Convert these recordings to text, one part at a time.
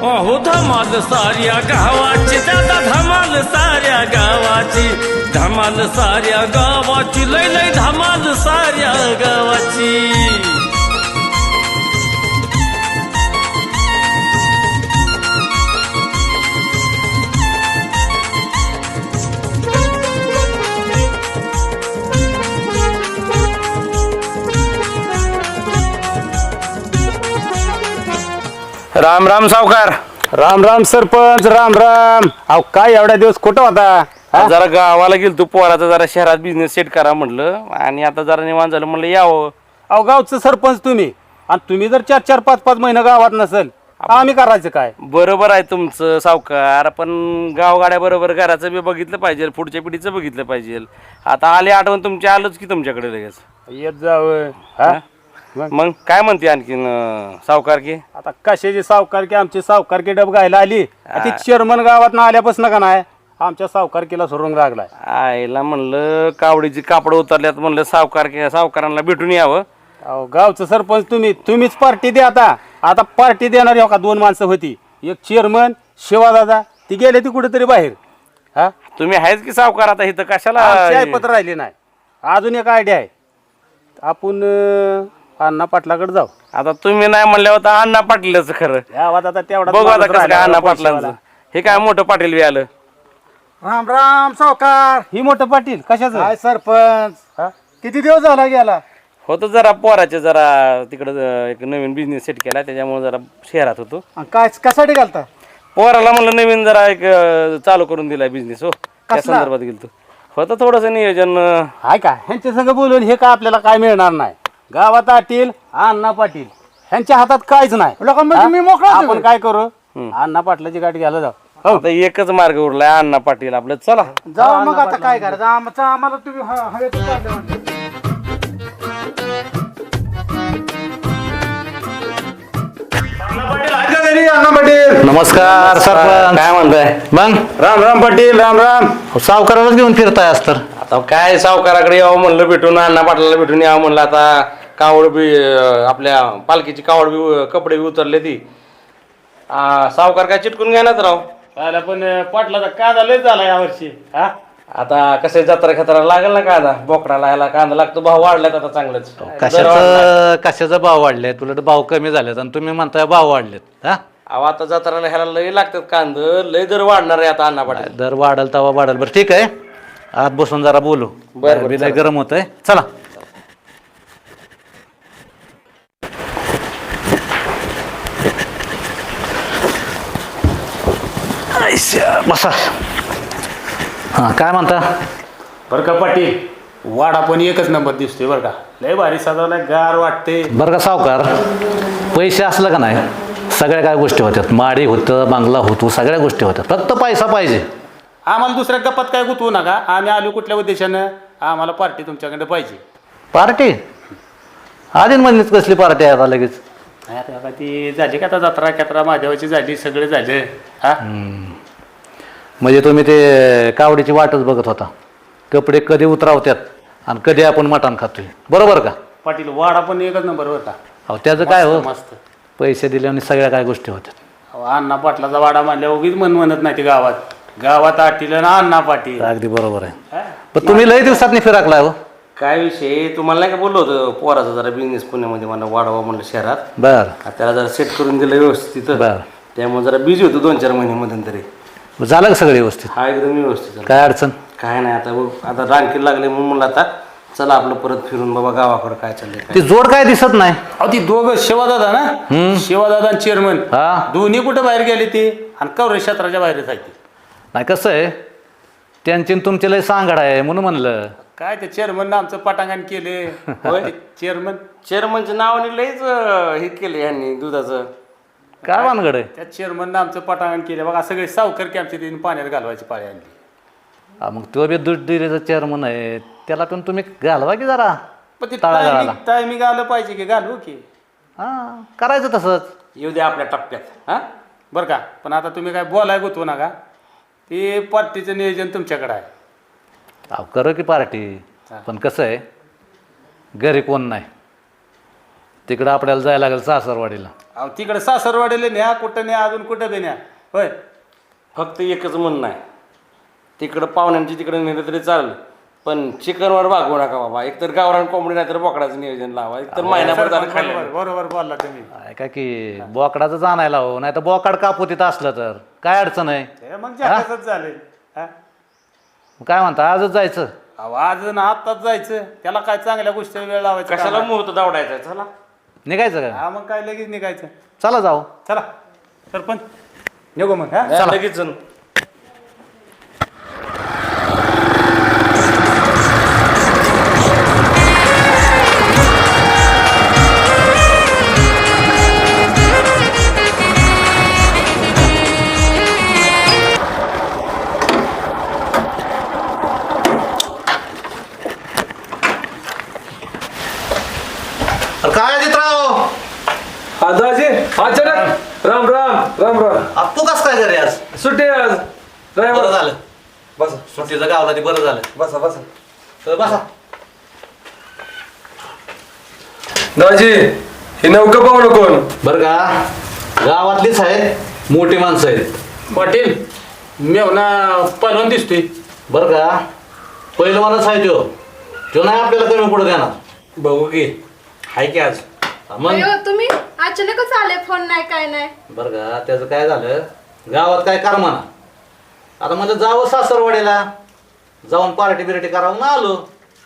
अहो धमाल साऱ्या गावाची दादा धमाल साऱ्या गावाची धमाल साऱ्या गावाची लय लय धमाल साऱ्या गावाची राम राम सावकार. राम राम सरपंच. राम राम. अहो काय एवढ्या दिवस कुठं होता? जरा गावाला गेलो तू पोराचा जरा शहरात बिझनेस सेट करा म्हटलं आणि आता जरा निवांत झालं म्हणलं यावं. अहो गावचं सरपंच तुम्ही आणि तुम्ही जर 4-4 5-5 महिने गावात नसेल आम्ही करायचं काय? बरोबर आहे तुमचं सावकार, पण गावगाड्या बरोबर घराचं बी बघितलं पाहिजे, पुढच्या पिढीचं बघितलं पाहिजे. आता आले आठवण तुमची, आलोच की तुमच्याकडे लगेच. येत जावं. हा मग काय म्हणते आणखीन सावकार की? आता कशाची सावकारकी? आमची सावकारकी डब घायला आली. ती चेअरमन गावात ना आल्यापासून का नाही आमच्या सावकारकीला सोडून लागलाय. आईला म्हणलं कावडीची कापड उतरल्यात म्हणलं सावकारांना भेटून यावं. अहो गावचं सरपंच तुम्हीच पार्टी द्या. आता पार्टी देणारी हो का 2 माणसं होती, एक चेअरमन शिवादादा, ती गेले ती कुठेतरी बाहेर. हा तुम्ही आहेच की सावकार, आता इथं कशाला पत्र राहिले नाही. अजून एक आयडिया आहे, आपण अण्णा पाटलाकडे जाऊ. आता तुम्ही नाही म्हणल्यावर तर अण्णा पाटीलच खरं. गावात आता तेवढा बघू आता कसं काय अण्णा पाटलांचं. हे काय मोठं पाटील बी आलं. राम राम सावकार. ही मोठं पाटील कशाचं? काय सरपंच, किती दिवस झाला गेला? होतं जरा पोराचे जरा तिकडं एक नवीन बिझनेस सेट केला, त्याच्यामुळे जरा शहरात होतो. काय कशासाठी घालता? पोराला म्हणलं नवीन जरा एक चालू करून दिलाय बिझनेस. हो त्या संदर्भात गेलतो. होतं थोडंसं नियोजन. हाय का ह्यांच्या संग बोलून हे काय आपल्याला काय मिळणार नाही. गावात आटील अण्णा पाटील ह्यांच्या हातात काहीच नाही. लोकांमध्ये मी मोकळा आहे. आपण काय करू, अण्णा पाटलाची गाठी घ्यायला जाऊ. आता एकच मार्ग उरलाय अण्णा पाटील आपलं. चला जाऊ मग. आता काय करायचं? आम्हाला तुम्ही हवेतच काढलं म्हणते. नमस्कार सरपंच. काय म्हणताय मग राम राम पाटील. राम राम. सावकारालाच घेऊन फिरताय आज तर. आता काय सावकाराकडे यावं म्हणलं भेटून, अण्णा पाटलाला भेटून यावं म्हणलं. आता कावड बी आपल्या पालखीची कावड बी कपडे बी उतरले ती. सावकार काय चिटकून घेणार राव. पाहिला पण पाटलाचा कांदा लय झाला यावर्षी. हा आता कसं जत्रा खतरा लागेल ना कांदा, बोकडाला याला कांदा लागतो. भाव वाढलात आता चांगलंच. कशाचा भाव वाढले? तुला भाव कमी झालेत आणि तुम्ही म्हणताय भाव वाढलेत. हा अहो आता जत्राला ह्याला लय लागतात कांद, लय दर वाढणार आहे आता अण्णा पाटील. दर वाढल तवा वाढल. बरं ठीक आहे, आत बसून जरा बोलू. बरं, लय गरम होत आहे. चला बसा. हा काय म्हणता? बरं का पाटील, वाडा पण एकच नंबर दिसतोय बरं का. लय भारी सजवलाय, गार वाटते. बरं का सावकार, पैसे असलं का नाही सगळ्या काय गोष्टी होत्यात. माडी होतं, बांगला होतो, सगळ्या गोष्टी होत्यात. फक्त पैसा पाहिजे. आम्हाला दुसऱ्या गप्पात काय गुतवू नका. आम्ही आलो कुठल्या उद्देशानं, आम्हाला पार्टी तुमच्याकडे पाहिजे. पार्टी आधी म्हणलीच कसली पार्टी आहे आता लगेच? नाही आता ती झाली का, आता जत्रा कॅत्रा महादेवाची झाली, सगळे झाले. हा म्हणजे तुम्ही ते कावडीची वाटच बघत होता, कपडे कधी उतरावत्यात आणि कधी आपण मटण खातोय. बरोबर का पाटील? वाडा पण एकच नंबर होता. अहो त्याचं काय हो, मस्त. पैसे दिले आणि सगळ्या काय गोष्टी होत्यात. अहो, अण्णा पाटलाचा वाडा मानल्या उगीच मन म्हणत नाही ते गावात आटील ना अण्णा पाटील. अगदी बरोबर आहे. पण तुम्ही लय दिवसात फिराकलाय हो. काय विषय तुम्हाला नाही का बोललो होतं, पोराचा जरा बिझनेस पुण्यामध्ये मला वाढवा म्हणलं शहरात. बर त्याला जरा सेट करून दिलं व्यवस्थित. बर. त्यामुळे जरा बिझी होतो 2-4 महिन्यामध्ये तरी. झालं का सगळं व्यवस्थित? हा एकदम व्यवस्थित झालं. काय अडचण? काय नाही. आता रानकीला लागले म्हणून म्हणलं आता चला आपलं परत फिरून बाबा गावाकडे काय चाललंय. ती जोड काय दिसत नाही. अहो ती दोघं शिवादादा ना, शिवादादा आणि चेअरमन हा दोन्ही कुठे बाहेर गेले ते, आणि कवरे क्षेत्राच्या बाहेरच आहे ते. नाही कसं आहे, त्यांची तुमची लय सांगड आहे म्हणून म्हणलं. काय ते चेअरमननं आमचं पटांगण केले. चेअरमनच्या नावाने लयच हे केलं यांनी दुधाचं. काय भानगड आहे? त्या चेअरमननं आमचं पटांगण केले बघा. सगळे सावकर की आमच्या तिने पाण्यात घालवायची पाळी आणली. मग तो बी दूध डेअरीचा चेअरमन आहे, त्याला पण तुम्ही घालवा की जरा. पण ते तळागाळाला. टायमिंग आलं पाहिजे की, घालू की. हा करायचं तसंच. येऊ द्या आपल्या टप्प्यात. हा बरं का, पण आता तुम्ही काय बोलाय गुतवू नका. ते पार्टीचं नियोजन तुमच्याकडे आहे. अहो करू की पार्टी, पण कसं आहे घरी कोण नाही, तिकडं आपल्याला जायला लागेल सासरवाडीला. अहो तिकडे सासरवाडीला न्या, कुठं न्या, अजून कुठं बी न्या. होय, फक्त एकच म्हणणं आहे, तिकडं पाहुण्यांची तिकडे नेलं तरी चालेल, पण चिकनवर भागवू नका बाबा. एकतर गावरान कोंबडी नाही तर बोकडाचं नियोजन लावा. एकतर महिनाभर झालं खाल्लं. बरोबर बोलला तुम्ही. काय की बोकडाचं आणायला हो, नाही तर बोकाड कापू तिथं असलं तर काय अडचण आहे. हे मग जास्तच झाले. हा? काय म्हणता आजच जायचं? अहो आज ना आत्ताच जायचं, त्याला काय चांगल्या गोष्टी वेळ लावायचा. कशाला मुहूर्त दावडायचा. चला निघायचं का? हा मग काय लगेच निघायचं. चला जाऊ. चला सरपंच निघू मग. हा चला लगेच जण. काय जित्राव दाजी अचानक राम राम राम राम. तू कस काय घरी आज? सुट्टी आज. बरं ड्रायव्हर झालं बसा सुट्टीचं गावला ते बरं झालं. बसा बसा. तर बसा. दाजी हे नौका पाहुणं कोण? बरं का गावातलीच आहेत, मोठी माणसं आहेत. पाटील मेवना पहिलवान दिसतोय. बरं का पहिलवानच आहे तो नाही आपल्याला कमी पुढे देणार. बघू की हाय की आज. मग अयो, तुम्ही अचानकच आले, फोन नाही काय नाही. बरं का त्याचं काय झालं, गावात काय करमाना. आता म्हणजे जावं सासरवाडीला, जाऊन पार्टी बिर्टी करावं ना आलो.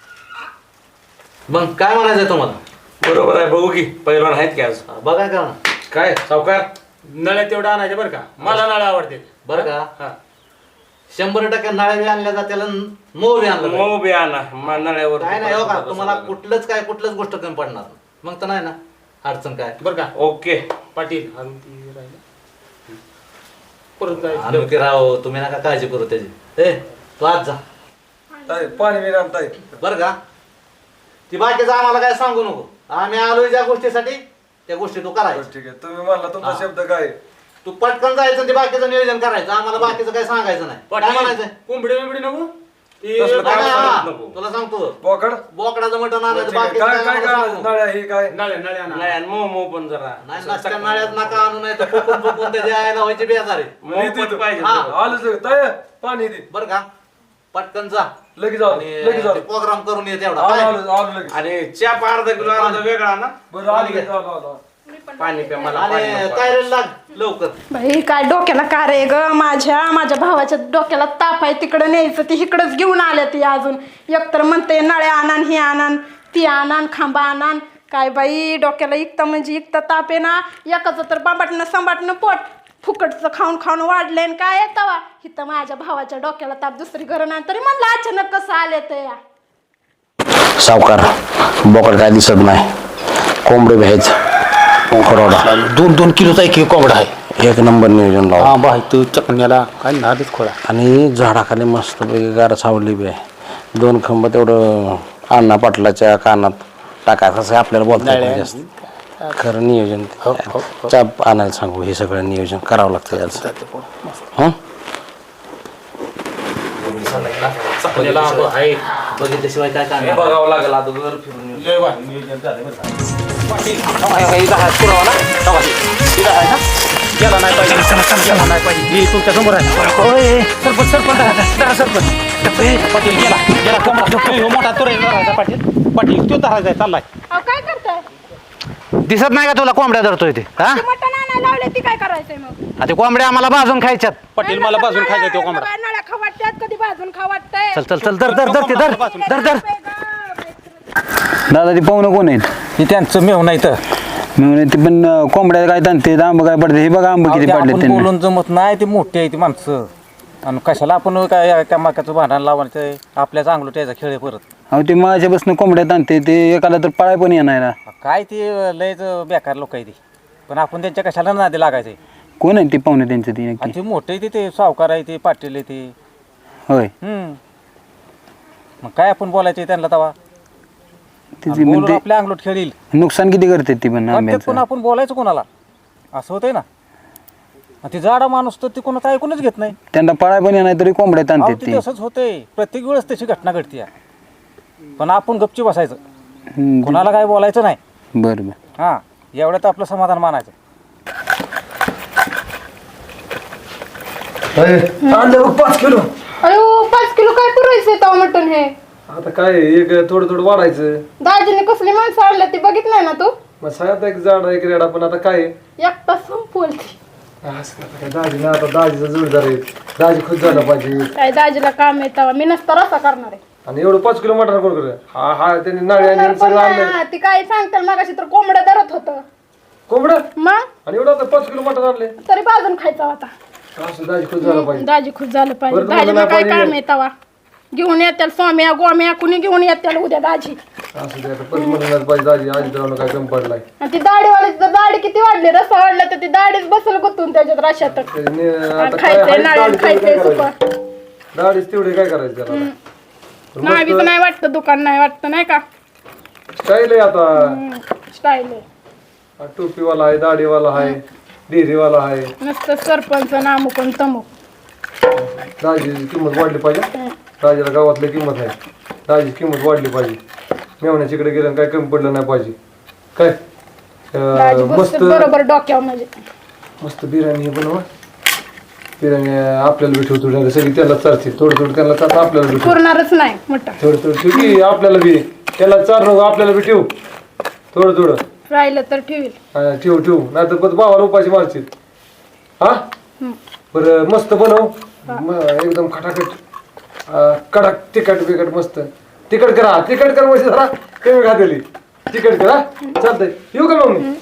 मग काय म्हणायचंय तुम्हाला? बरोबर आहे. बघू की पहिलवान आहेत की आज. बघा का काय सावकार नळ्या तेवढं आणायचे बरं का, मला नळ्या आवडते. बरं का हा 100% नाळे बी आणल्या जात्याला, मोह बी आणलं पाहिजे. मग बी आणा नळ्यावर. काय नाही हो का तुम्हाला कुठलंच गोष्ट कमी पडणार नाही. मग तर नाही ना अडचण काय. बरं का ओके. पाटील आणि ती राहिलं. परत जायचं. आणि राव तुम्ही नका काळजी करू त्याची. ए तू आज जा ताई पाणी मी ताई. बरं का. ती बाकीचं आम्हाला काय सांगू नको. आम्ही आलोय ज्या गोष्टीसाठी त्या गोष्टी तू करायचं. ठीक आहे तुम्ही म्हणला तुमचा शब्द काय? तू पटकन जायचं आणि ते बाकीचं नियोजन करायचं. आम्हाला बाकीचं काय सांगायचं नाही. काय म्हणायचं कोंबडी बिंबडी नको. ती तसलं काय नाही, सांगत हा, नको. तुला सांगतो बोकड? बोकडाचं मटण आणायचं. ठीक आहे. बाकीचं काय काय काय आम्हाला काय सांगू. नळ्या ही काय? नळ्या नळ्या आणा. नाही मऊ पण जरा नाही नसत्या नळ्यात नका आणू, नाही तर फुकून त्याच्या आयला व्हायची बेजार आहे. मऊ पण पाहिजे. हा. आलोच लगेच. ताई पाणी दे. बरं का पटकन जा लगेच आलो आणि लगेच आलो. प्रोग्राम करून ये तेवढा. आलो काय? आलो आलो लगेच. आणि चहा अर्धा किलो आणा वेगळा ना. बरं आलो लगेच, आलो आलो. पाणी प्या मला. आणि पाणी तयारीला लाग लवकर. बाई काय डोक्याला का रे ग, माझ्या भावाच्या डोक्याला ताप आहे, तिकडं न्यायचं ती इकडंच घेऊन आल्या ती. अजून एकतर म्हणते नळ्या आणान, ही आणान, ती आणान, खांबा आणान. काय बाई डोक्याला इकता म्हणजे इकता ताप आहे ना. एकाचं तर बांबाटणं संबाटणं पोट फुकटचं खाऊन खाऊन वाढलंय आणि काय येतावा इथं माझ्या भावाच्या डोक्याला ताप. दुसरी घरं नाही तरी म्हणलं अचानक कसं आले ते या. सावकार बोकड काय दिसत नाही. कोंबडी भ्यायच खरोडा 2-2 किलोचा एक कोंबडा आहे. एक नंबर नियोजन लावा. हा बाई तू चकण्याला काय नादच खोळा. आणि झाडाखाली मस्तपैकी गार सावली बी आहे. 2 खंब तेवढं अण्णा पाटलाच्या कानात टाकायचं असं आपल्याला बोलता येत नाही जास्त. खरं नियोजन चाप आणायला सांगू. हे सगळं नियोजन करावं लागतं याचं. हं चकण्याला आहे. बघितल्याशिवाय काय काय बघावं लागेल अगोदर फिरून येऊ. लय भारी नियोजन झालंय बरं का. गेला नाही पाहिजे, गेला नाही पाहिजे. ही तुमच्या समोर आहे. सरपंच पाटील गेला कोंबडा. मोठा तुरे पाटील तो धरायचा चाललाय. अहो काय करताय? दिसत नाही का तुला कोंबड्या धरतोय ते? हा ती मटण आणायला लावले ती काय करायचंय मग? ते कोंबड्या आम्हाला भाजून खायच्यात. पाटील मला बाजून खायचा तो कोंबडा. नळ्या खाऊ वाटतात, कधी भाजून खाऊ वाटतंय. चल चल चल धर धर धर ते धर. दादा ती पाहुणं कोण आहेत? हे त्यांचं मेव नाही तर मी ते पण कोंबड्या काय ताणते आंब काय पडते. हे बघा आंब किती पडले त्यांना. बोलून जमत नाही, ते मोठी आहे ती माणसं. आणि कशाला आपण काय त्या माकाचं भांडण लावायचं, आपल्या चांगलं त्याचा खेळ आहे परत. अहो ते माझ्यापासून कोंबड्या ताणते ते एकाला तर पळाय पण येणार ना. काय ते लयच बेकार लोक आहे ती, पण आपण त्यांच्या कशाला नादी लागायचे. कोण आहे ते पाहुणे त्यांचं ती आणि नक्की? ते मोठे आहे ते सावकार आहे, ते पाटील आहे ते. होय मग काय आपण बोलायचे त्यांना तवा. तिची बोलून म्हणजे आपल्या अंगलोट खेळील. नुकसान किती करते ती पण पण आंब्याचं. आपण बोलायचं कोणाला, असं होतंय ना. आणि ते जाडा माणूस तर ते कोणाचं ऐकूनच घेत नाही. त्यांना पळाय पण येणार तरी कोंबड्या अहो, ताणते ते ती. तसंच होतंय, प्रत्येक वेळेस तशी घटना घडते. पण आपण गपची बसायचं, हम्म, कोणाला काय बोलायचं नाही. बरं बरं. हां एवढ्यात आपलं समाधान मानायचं. आणलं बघ 5 किलो. अयो 5 किलो काय पुरायचं तेव्हा मटण हे आता काय एक थोडं थोडं वाढायचं. दाजीने कसली माणसं आणल्या ती बघितलंय ना तू मग साहेब एक झाड एक रेडा पण आता काय आहे? एक तास संपवल ती असं आता काय दाजी ना आता दाजीचा जोडदार आहे. दाजी खुश झाला पाहिजे. काय दाजीला काम आहे तेव्हा मी नसता रसा करणार आहे आणि एवढं 5 किलो मटण कोण करे? हा हा त्यांनी नाळे आणि पण सगळं आणलं. नाही, ती काय सांगताल मागाशी तर कोंबड्या धरत होतं कोंबडं मग आणि एवढं आता 5 किलो मटण आणले. तरी बाजून खायचा होता असं दाजी खुश झाला पाहिजे. दाजी खुश झालं पाहिजे बरं, तुम्हाला दाजीला काय पाहिजे. काम आहे तेव्हा घेऊन येत्याल स्वाम्या गोम्या कुणी घेऊन येत्याल उद्या दाजी असं ते आता 5 मटण पाहिजे दाजी. आजी तर काय कमी पडलाय. आणि ती दाढीवाल्याची तर दाढी किती वाढली रस्सा वाढला तर ती दाढीच बसल गुतून त्याच्यात रशात त्याने आता काय खायचंय हाय नाळ्यात दाढीचं खायचंय काय सुका करायचं? दाढीच तेवढे काय करायचं त्याला? नावीच नाही वाटतं दुकान नाही वाटतं नाही का स्टाईल आहे आता. स्टाईल आहे हा टोपीवाला आहे, दाढीवाला आहे, डेरीवाला आहे. नुसतं सरपंच नामुक आणि तमुक दाजीची किंमत वाढली पाहिजे. दाजीला गावातली किंमत आहे. दाजीची किंमत वाढली पाहिजे. मेवण्याच्या इकडे गेलं काय कमी पडलं नाही पाहिजे. काय दाजी मस्त बसतं बरोबर डोक्यावर म्हणजे मस्त बिर्याणी बनवा. बिर्याणी आपल्याला बी ठेवतो सगळी त्याला चालते. थोडं थोडं त्याला चालतं आपल्याला बी ठेव. पुरणारच नाही मटण थोडं थोडं ठेव की आपल्याला बी. त्याला चार नको आपल्याला बी ठेवू. थोडं थोडं राहिलं तर ठेवील हा, ठेवू ठेवू नाही तर पण भावाला उपाशी मारशील. हा बरं मस्त बनव. एकदम खटाखट कडक तिखट बिकट मस्त तिखट करा. तिखट कर म्हणजे जरा कमी घातली. तिखट करा चालतंय. येऊ का मग मी?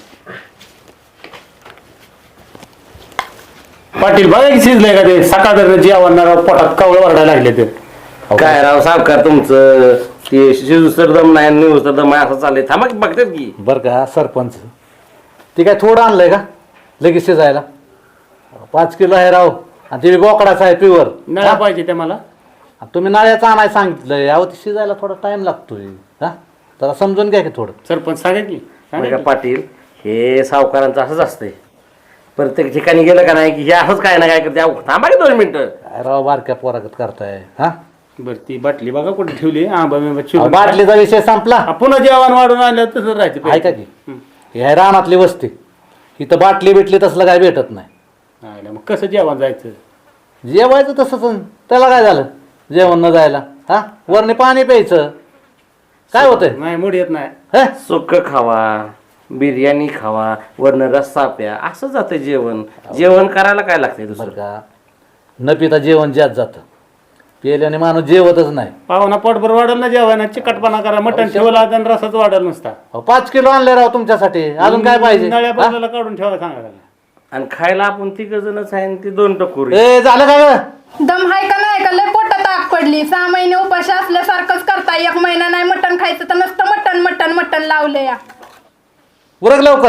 पाटील बघा की शिजलंय का ते सकाळ जेवण पोटात कवळ वरडायला लागले ते काय राव सावकार तुमचं ते शिजूस्तर दम नाही निवस्तर दम आहे असं चाललंय. थांबा की बघतात की बरं का सरपंच ते काय थोडं आणलंय का लगेच शिजायला? 5 किलो आहे राव आणि ते बोकडाचं आहे प्युअर. नळा पाहिजे ते मला. तुम्ही नाळ्याचं आणाय सांगितलंय अहो ते शिजायला थोडा टाइम लागतोय. हा जरा समजून घ्या की थोडं. सरपंच सांगा की बघा पाटील हे सावकारांचं असंच असतंय. प्रत्येक ठिकाणी गेलं का नाही की हे असंच काय ना काय करते. अहो, थांबा की 2 मिनिटं. काय राव बारक्या पोरागत करताय. हा बरं ती बाटली बघा कुठे ठेवली. अहो, बाटलीचा विषय संपला. पुन्हा जेवण वाढून आणलं तसं राहायचं. ऐका की हे आहे रानातली वस्ती. इथं बाटली बिटली तसलं काय भेटत नाही. मग कसं जेवण जायचं? जेवायचं तसंच त्याला काय झालं जेवण न जायला? हा वरने पाणी प्यायचं काय होतंय? नाही मूड येत नाही. हे? सुक्क खावा बिर्याणी खावा वरनं रस्सा प्या असं जातं जेवण. जेवण करायला काय लागतंय बरं दुसरं? का न पिता जेवण ज्यात जातं. पेल्याने जेवतच नाही. पाहुणा पोटभर वाढल ना जेवण. चिकटपणा करा. मटण ठेवला आणि रसाच वाढल नुसता. अहो, 5 किलो आणले राव तुमच्यासाठी अजून काय पाहिजे? नळ्या हा? बाजूला काढून ठेवा सांगा. आणि खायला आपण 3 जणच आहे आणि ती 2 टकोरी. ए झालं का ग? दम हाय का नाही का लय पोटात आग पडली 6 महिने उपाशी असल्यासारखंच करताय 1 महिना नाही मटण खायचं तर नुसतं मटण मटण मटण लावलं या उरक लवकर.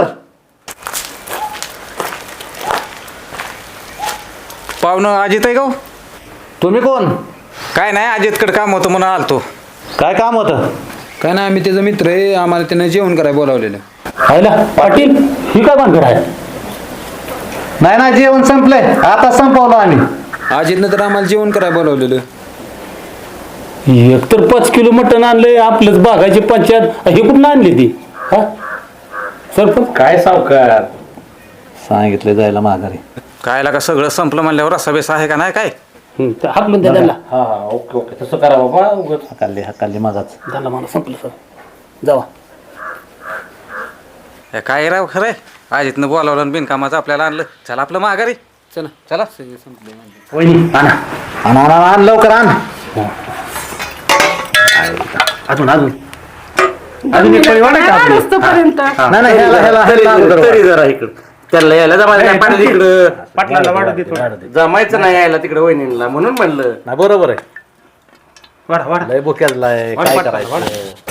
पाहुणं अजित आहे का हो? तुम्ही कोण? काय नाही अजितकडे काम होतं म्हणून आलतो. काय काम होतं? काय नाही आम्ही त्याचा मित्र आहे आम्हाला त्यानं जेवण करायला बोलावलेलं. खायला पाटील ही काय बांधर आहे? नाही ना जेवण संपलंय आता संपवलं आम्ही. अजितनं तर आम्हाला जेवण करायला बोलावलेलं. एकतर 5 किलो मटण आणलंय. आपलंच बागाची पंचायत हे कुठून आणली ती? हा सरपंच काय सावकार सांगितलं जायला माघारी. कायला का सगळं संपलं म्हणल्यावर रस्सा बेस आहे का नाही काय? हाकलून द्या त्यांना. हा ओके ओके तसं करा बाबा. उगाच हकाली माझाच. झालं मला संपलं सर जावा. हे काय राव खरंय अजितनं बोलावलं आणि बिनकामाचं आपल्याला आणलं. चला आपलं माघारी. चला चला. वहिनी आणा आण आण आण लवकर आण. अजून अजून अजून एक पळी वाढायची आपली. पर्यंत नाही नाही तरी जरा इकडं त्याला यायला जमायचं नाही पाटील इकडं. पाटलाला वाढत दे थोडं. जमायचं नाही यायला तिकडं वहिनीला म्हणून म्हणलं. नाही बरोबर आहे. वाढा वाढा. लय बोक्यालाय वाढ, काय वाढ, करायचं? वाढ.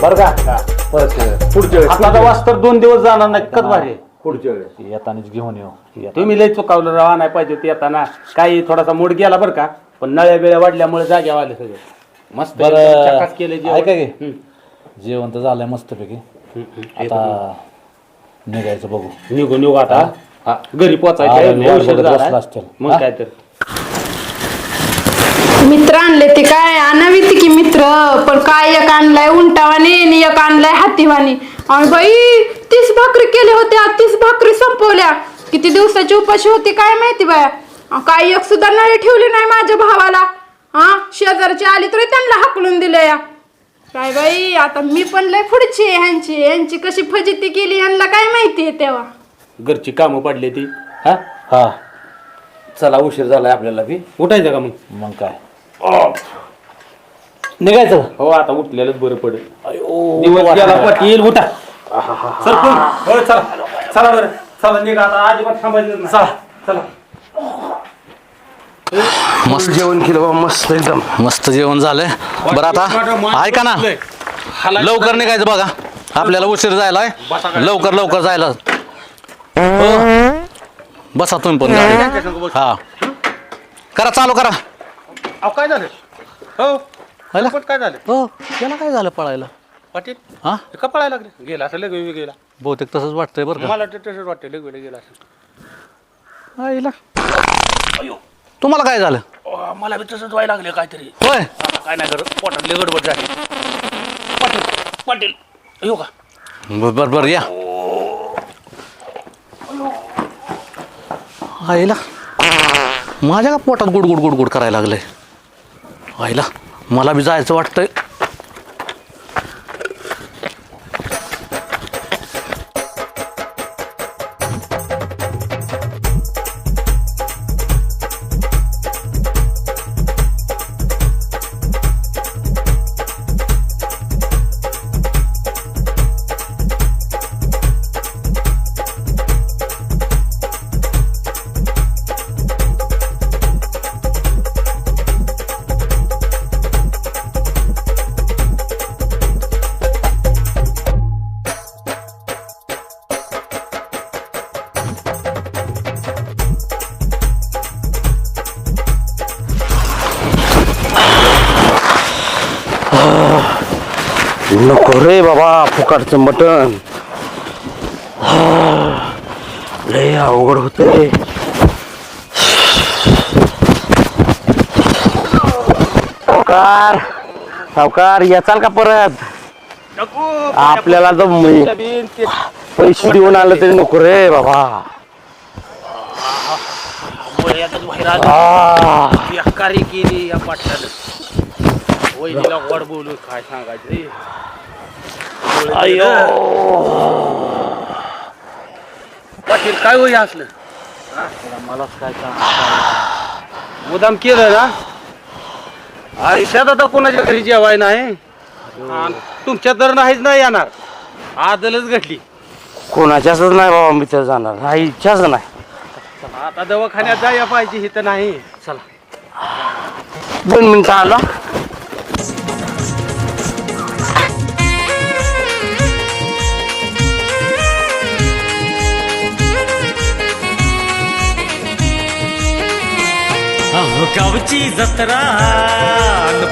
बरं का परत पुढच्या वेळेस आता वाजता 2 दिवस जाणार नाही कच भारी पुढच्या वेळेस येतानाच घेऊन येऊ. तुम्ही लय चुकावलं राहा नाही पाहिजे ते येताना काही थोडासा मूड गेला बरं का पण नळ्या बिळ्या वाढल्यामुळे जाग्या आले सगळे मस्त बरं चकास केले ऐका की जेवण तर झालंय मस्तपैकी आता निघायचं बघू. निघू आता घरी पोचायचं असतील मग काय तर मित्र आणले ते काय आणावी ती की मित्र पण काय एक आणलाय उंटावानी आणि एक आणलाय हातीवानी आणि बाई 30 भाकरी केल्या होत्या 30 भाकरी संपवल्या किती दिवसाची उपाशी होती काय माहिती बाया काय एक सुद्धा नळी ठेवली नाही माझ्या भावाला शेजारची आली तरी त्यांना हाकलून दिले या काय बाई आता मी पण लय पुढची आहे ह्यांची कशी फजिती केली ह्यांना काय माहिती आहे तेव्हा घरची कामं पडली ती हा हा चला उशीर झालाय आपल्याला बी. उठायचं का मग काय निघायचं. हो आता उठलेलंच बरं पडेल दिवस गेला पाटील उठा सरपंच हो चला चला बरं चला निघा आता अजिबात थांबायचं नाही. चला मस्त जेवण केलं बाबा मस्त एकदम मस्त जेवण झालंय. बरं आता ऐका ना लवकर निघायचं बघा आपल्याला उशीर जायला लवकर जायला. हो. बसा तुम्ही पण हा करा चालू करा. काय झालं हो हैला? काय झालं हो याला काय झालं पळायला पाटील हा का पळायला लागले गेला असं लगेच गेला बहुतेक तसंच वाटतंय बरं का. मला तसंच वाटतं लगेच गेला असं आईला. तुम्हाला काय झालं मला बी तसंच व्हायला लागले काहीतरी होय काय नाही करत पोटातले गडबड झाली पाटील पाटील येऊ का बर या आईला माझ्या का पोटात गुड करायला लागलंय. आईला मला बी जायचं वाटतंय. नको रे बाबा फुकाटचं मटण लय अवघड होतंय. सावकार याचाल का परत आपल्याला तर पैसे देऊन आलं तरी नको रे बाबा. बेकारी केली या पाटलानं वहिनीला गोड बोलू काय सांगायचं अयो पाटील काय होई असलं मलाच काय मुदाम केलं ना आयुष्यात आता कोणाच्या घरी जेवाय नाही तुमच्या तर नाहीच नाही येणार आदलच घडली कोणाच्याच नाही बाबा मी तर जाणार नाही इच्छाच नाही. आता दवाखान्यात जायला पाहिजे हे तर नाही चला 2 मिनिटं आला. गावची जत्रा